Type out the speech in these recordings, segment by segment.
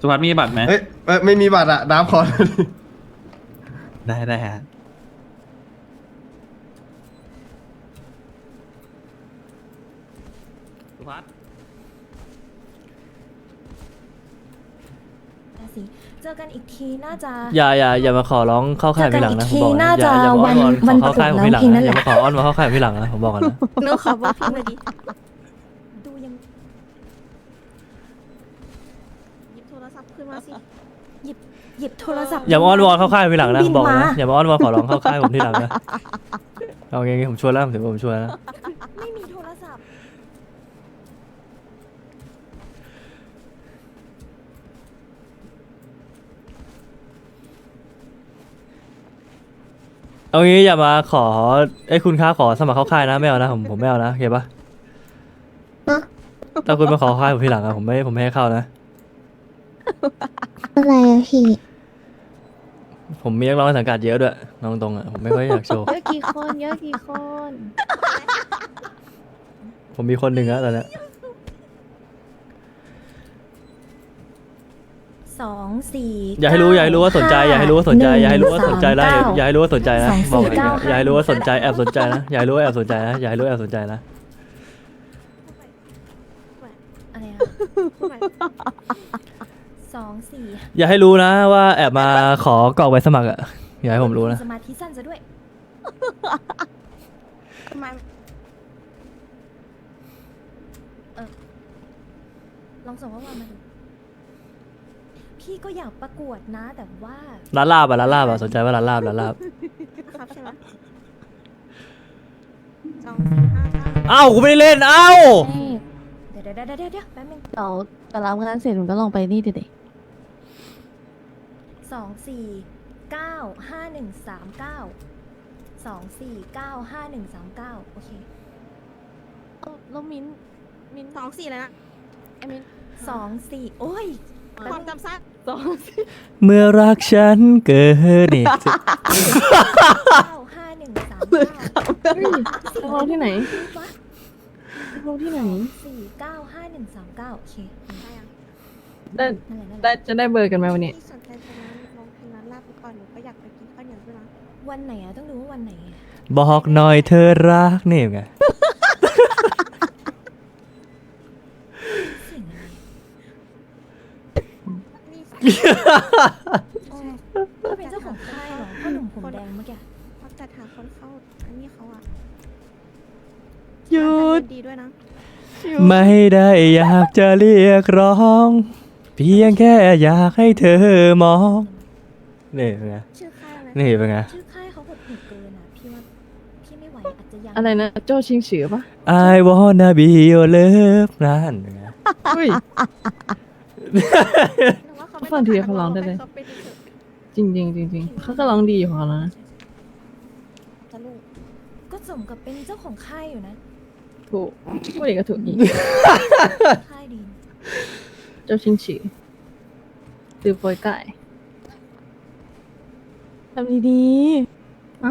สุภัสมีบัตรไหมเอ้ยไม่มีบัตรอะน้ำขอได้ฮะสุภัสสิเจอกันอีกทีน่าจะอย่ามาขอร้องเข้าค่ายพี่หลังนะผมบอกน่านะจะอย่ามาอ้อนวอนวันขอเข้าค่ายผมพี่หลังวันนะเกิดแล้วอย่ามาขออ้อนวอนเข้าค่ายผมพี่หลังนะผมบอกก่อนนะหนูขอบอกพี่มาดิดูยังหยิบโทรศัพท์ขึ้นมาสิหยิบโทรศัพท์อย่ามาอ้อนวอนเข้าค่ายผมพี่หลังนะผมบอกบินะมาอย่ามาอ้อนวอนขอร้องเข้าค่ายผมที่หลังนะเอางี้ผมชวนแล้วผมถือว่าผมชวนแล้วนะไม่มีโทรศัพท์เอางี้อย่ามาขอคุณค้าขอสมัครเข้าค่ายนะไม่เอานะผมไม่เอานะโอเคปะถ้าคุณมาขอเข้าค่ายผมที่หลังอะผมไม่ให้เข้านะอะไรอะพี่ผมมีนักร้องในสังกัดเยอะด้วยน้องตรงอะผมไม่ค่อยอยากโชว์เยอะกี่คนเยอะกี่คนผมมีคนหนึ่งแล้วตอนเนี้ย 2 4 อย่าให้รู้ว่าสนใจอย่าให้รู้ว่าสนใจอย่าให้รู้ว่าสนใจนะอย่าให้รู้ว่าสนใจนะบอกเลยนะอย่าให้รู้ว่าสนใจแอบสนใจนะอย่าให้รู้ว่าแอบสนใจนะอย่าให้รู้ว่าแอบสนใจนะอะไรอะ2 4 อย่าให้รู้นะว่าแอบมาขอกรอกใบสมัครอะอย่าให้ผมรู้นะสมาธิสั้นซะด้วยทำไมลองส่งข้อความมาดูพี่ก็อยากประกวดนะแต่ว่าร้านลาบอะสนใจว่าร้านลาบครับใช่ไหม2 4 5 9 เอ้ากูไม่ได้เล่นเอ้าเดี๋ยวแป๊บนึงเราแต่รับงานเสร็จมันก็ลองไปนี่ดิ 2 4 9 5 1 3 9 2 4 9 5 1 3 9โอเคแล้วมิ้น 2 4เลยนะไอ้มิน 2 4โอ้ยความจำสั้นเมื่อรักฉันเกิดนี่ 9 5 1 3 9 เราที่ไหนเราที่ไหน 4 9 5 1 3 9โอเคได้ยังได้นั่นแหละได้จะได้เบอร์กันไหมวันนี้พี่สนใจไปร้องเพลงร้านลาบไปก่อนหนูก็อยากไปกินข้าวเหนียวด้วยนะวันไหนอะต้องดูว่าวันไหนอะบอกหน่อยเธอรักนี่ไงเสียงอะไรนี่ก็เป็นเจ้าของค่ายเหรอพ่อหนุ่มผมแดงเมื่อกี้เขาจัดหาคนเข้าอันนี้เขาอะหยุดดีด้วยนะไม่ได้อยากจะเรียกร้อง เพียงแค่อยากให้เธอมองนี่เป็นไงชื่อค่ายอะไรนี่เป็นไงชื่อค่ายเขาหดหูเกินอะพี่ว่าพี่ไม่ไหวอาจจะยังอะไรนะโจ้ชิงฉือปะ I wanna be your love นั่นเป็นไงเฮ้ยหนูว่าเขาไม่ฟังทีเขาร้องได้เลยเขาเป็นเถอะจริงเขาก็ร้องดีอยู่ของเขาแล้วนะจะลูกก็สมกับเป็นเจ้าของค่ายอยู่นะถูกพูดอีกก็ถูกอีกค่ายดีโจ้ชิงฉือตือโปยไก่ทำดีๆ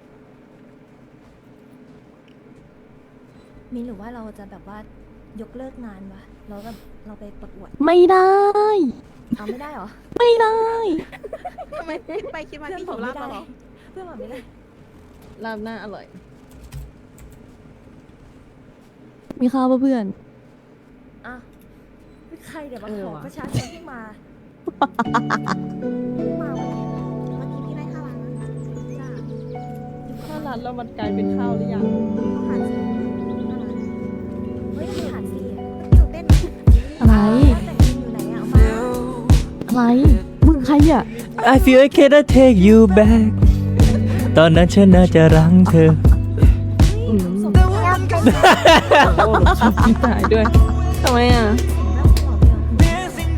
มีหรือว่าเราจะแบบว่ายกเลิกงานวะแล้วแบบเราไปประกวดไม่ได้เอาไม่ได้เหรอไม่ได้ทำไมคิดไปคิดมาที่หิวลาบมาเหรอเพื่อนบอกไม่ได้ลาบหน้าอร่อย มีข้าวป่ะเพื่อนอ่ะใครเดี๋ยวมาเออขอว่ะประชาชนที่มาเพิ่งมาวันนี้เมื่อกี้พี่ได้ข้าวร้านนะจ้าข้าวร้านแล้วมันกลายเป็นข้าวหรือยังเขาหาซื้อข้าวร้านเฮ้ยทำไมหาดสีอะหนูเต้นนะอะไรแต่งตัวอยู่ไหนอะเอามาอะไร มึงใครอ่ะ I feel I cannot take you back ตอนนั้นฉันน่าจะรังเธออืมสมกับว่าเป็นโอ้ชอบพี่ตายด้วยทำไมอ่ะแล้วหัวเดียว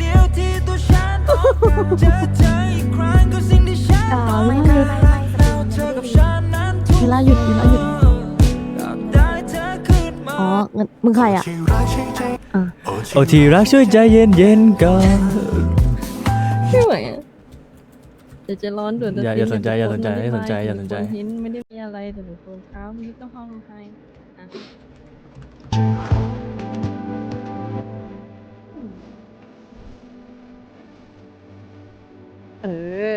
ไม่หยุดเวลาหยุดอ๋องั้นมึงใครอ่ะโอ้ที่รักช่วยใจเย็นๆก่อนไม่ไหวอ่ะเดี๋ยวจะร้อนด่วนอย่าสนใจอย่าสนใจอย่าสนใจอย่าสนใจเห็นไม่ได้มีอะไรแต่หนูโกนเท้านี่ต้องห้องให้อ่ะเออ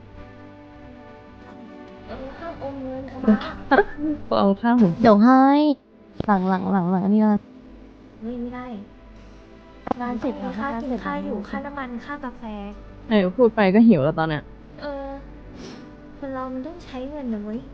ห้ามอมเงินเอามาเอาข้างหูเดี๋ยวให้หลังนี่ละไม่ได้งานเสร็จแล้วค่ากินค่าอยู่ค่าน้ำมันค่ากาแฟไหนพูดไปก็หิวแล้วตอนเนี้ยคนเรามันต้องใช้เงินนะเว้ย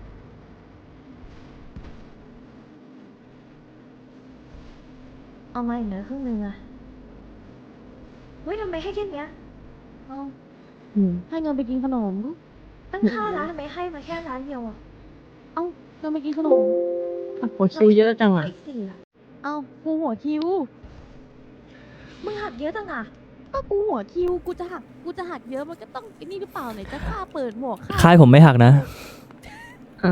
เอามาอีกเหลือครึ่งนึงอะเฮ้ยทำไมให้แค่เนี้ยเอ้าอืมให้เงินไปกินขนมตั้ง5 ล้านทำไมให้มาแค่ล้านเดียวอะเอ้าเงินไปกินขนมอ่ะหัวคิวเยอะจังอ่ะไอ้สี่อะเอ้ากูหัวคิวมึงหักเยอะจังอะก็กูหัวคิวกูจะหักเยอะมันก็ต้องไอ้นี่หรือเปล่าไหนจะค่าเปิดหมวกค่าค่ายผมไม่หักนะอ่า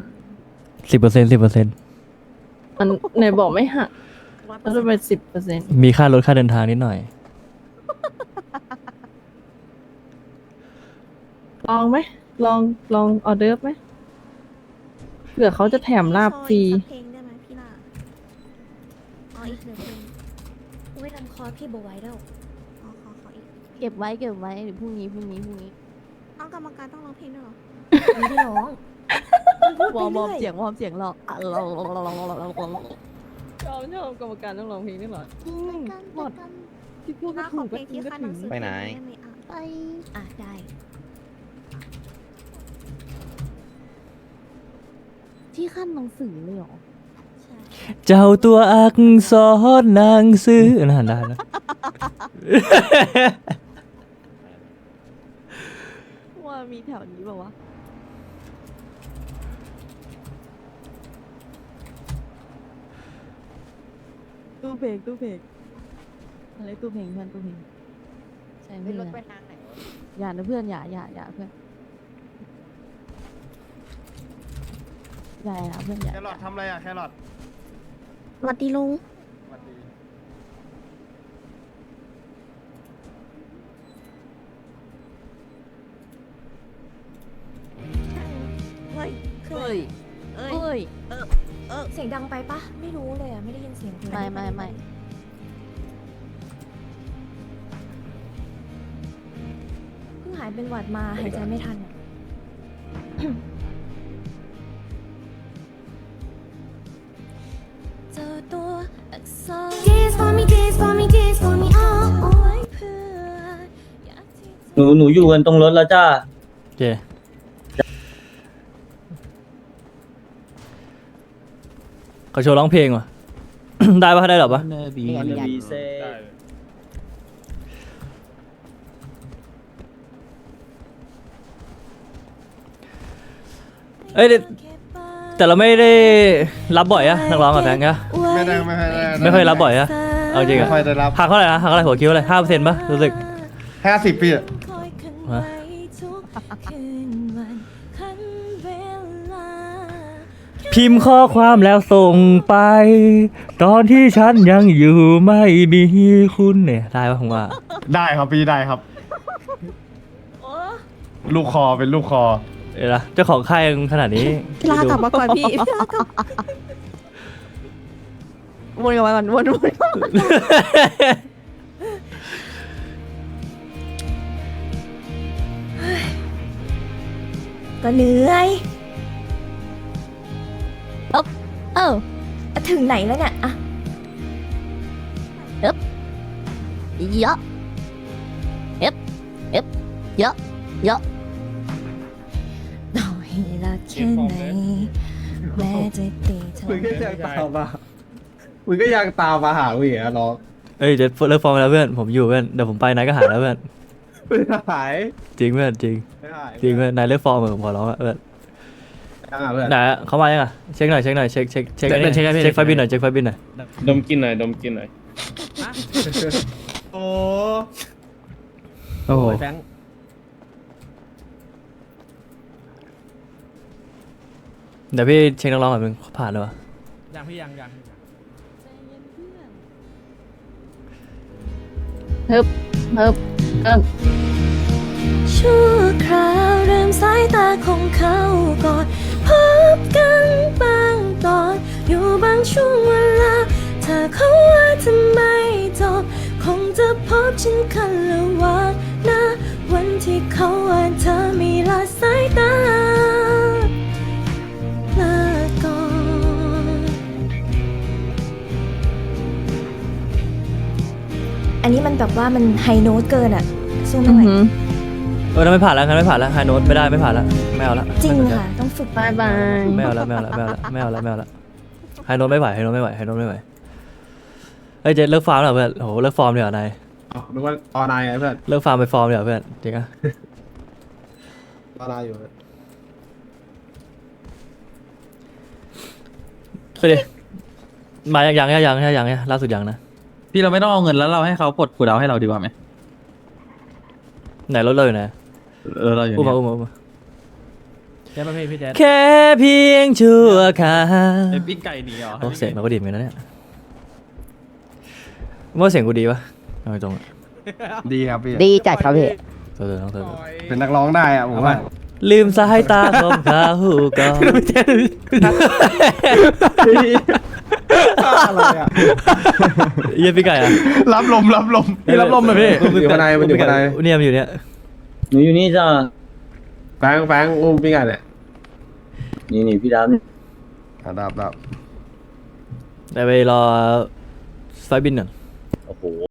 10% มันไหนบอกไม่หักแล้วจะเป็น10% มีค่ารถค่าเดินทางนิดหน่อยลองไหมลองออเดิร์ฟไหมเผื่อเขาจะแถมลาบฟรีขออีกสักเพลงได้ไหมพี่ล่ะอ๋ออีก1 เพลงอุ้ยทำคอพี่บไว้แล้วขออีกเก็บไว้เดี๋ยวพรุ่งนี้เอากรรมการต้องร้องเพลงด้วยเหรอไม่ได้ร้องมันพูดวไปอร์มเรื่อยเสียงหรอกอ่ะชอบกรรมการต้องร้องเพลงด้วยเหรอหมดที่พูดพี่ก็ล่าขถูอก เพก็ลงจริที่งก็ขั้นถึหนังงสือไปไหนด้มอ่ะไปอ่ะได้ที่ขั้นหนังสือเลยเหรอใช่เจ้าตัวอักษรนางซื้อน่าได้แล้วว่ามีแถวนี้เปล่าวะตู้เพลงอะไรตู้เพลงเพื่อนตู้เพลงใช่เพื่อนอย่านะเพื่อนอย่าเพื่อนอย่าเพื่อนอย่าแครอททำอะไรอะแครอทสวัสดีลุงสวัสดีเฮ้ยคืออะไรเอ้ยเสียงดังไปปะไม่รู้เลยอะไม่ได้ยินเสียงเพลงไม่เพิ่งหายเป็นหวัดมาหายใจไม่ทันอะ เจอตัวอักษร Kiss for me kiss for me kiss for me เอาไว้เพื่ออยากที่จะหนูอยู่กันตรงรถแล้วจ้าโอเคเขาโชว์ร้องเพลงว่ะ ได้ปะได้หรอปะบีเซเอ้ยแต่เราไม่ได้รับบ่อยอะนักร้องกับแฟนก็ไม่ได้ไม่ค่อยรับบ่อยอะเอาจริงไม่อะค่อยได้รับหักเท่าไหร่นะหักเท่าไหร่หัวคิ้วเลย5%ปะรู้สึก 50 ปีอะฮะ พิมพ์ข้อความแล้วส่งไป ตอนที่ฉันยังอยู่ไม่มีคุณเนี่ยได้ปะผมว่าได้ครับพี่ได้ครับ ลูกคอเป็นลูกคอเดี๋ยวนะเจ้าของค่ายยังขนาดนี้พี่ล่ากลับมาก่อนพี่พี่ล่ากลับวนกลับมาก่อนวนก็เหนื่อยเอ้าถึงไหนแล้วเนี่ยอะเยอะเยอะต่อให้รักแค่ไหนแม้จะตีเธอมึงก็ยังตามมามึงก็ยังตามมาหากูอีกอะน้องเอ้ยเดี๋ยวเลิกฟอร์มแล้วเพื่อนผมอยู่เพื่อนเดี๋ยวผมไปนายก็หายแล้วเพื่อนไม่หายจริงเพื่อนจริงไม่หายจริงเพื่อนนายเลิกฟอร์มเหมือนผมขอร้องอะเพื่อนยังอ่ะเพื่อนไหนอะเขามายังอะเช็คหน่อยเช็คอันนี้เช็คไฟบินหน่อยเช็คไฟบินหน่อยดมกินหน่อยดมกินหน่อยโอ้โอ้โหแฟงเดี๋ยวพี่เช็คนักร้องก่อนมึงผ่านเลยวะยังพี่ยังเฮิบชั่วคราวเริ่มสายตาของเขาก่อนพบกันบางตอนอยู่บางช่วงเวลาเธอเขาว่าทำไมจบคงจะพบฉันคันละวันนะวันที่มันแบบว่ามันไฮโน้ตเกินอะสู้อืไม่อไหวหืองั้นไม่ผ่านแล้วงั้นไม่ผ่านแล้วไฮโน้ตไม่ได้ไม่ผ่านแล้วไม่เอาละจริงไม่สนใจค่ะ ต้องฝึกบายบายไม่เอาละไม่เอาละไม่เอาละไม่เอาละไม่เอาละไฮโน้ตไม่ไหวไฮโน้ตไม่ไหวไฮโน้ตไม่ไหวเฮ้ยเจเลิกฟาร์มแล้วเพื่อนโหเลิกฟอร์มเดี๋ยวนายอ๋อนึกว่าออนไลน์ไงเพื่อนเลิกฟาร์มไปฟอร์มเดี๋ยวเพื่อนจริงอะออนไลน์อยู่ไปดิมายังล่าสุดยังนะพี่เราไม่ต้องเอาเงินแล้วเราให้เขาปลดกูดาวให้เราดีกว่าไหมไหนรถเราอยู่ไหนเราอยู่อุ้มเนี่ยมาแจ๊บพี่แจ๊บแค่เพียงชั่วคราวเป็นปิ้งไก่หนีเหรอโอ้เสียงเราก็ดีเหมือนกันนะเนี่ยว่าเสียงกูดีปะเอาตรงๆอะดีครับพี่ดีจัดครับพี่เธอต้องเธอเป็นนักร้องได้อะผมว่าลืมสายตาของเขาก่อนอะไรอะเยี่ยพี่ไก่อะรับลมพี่รับลมไหมพี่อยู่ข้างในมันอยู่ข้างในเนี่ยมันอยู่เนี่ยหนูอยู่นี่จ้าแฟงอุ้มพี่ไงเนี่ยนี่พี่ดดับแต่ไปรอไฟล์บินก่อนำโอ้โห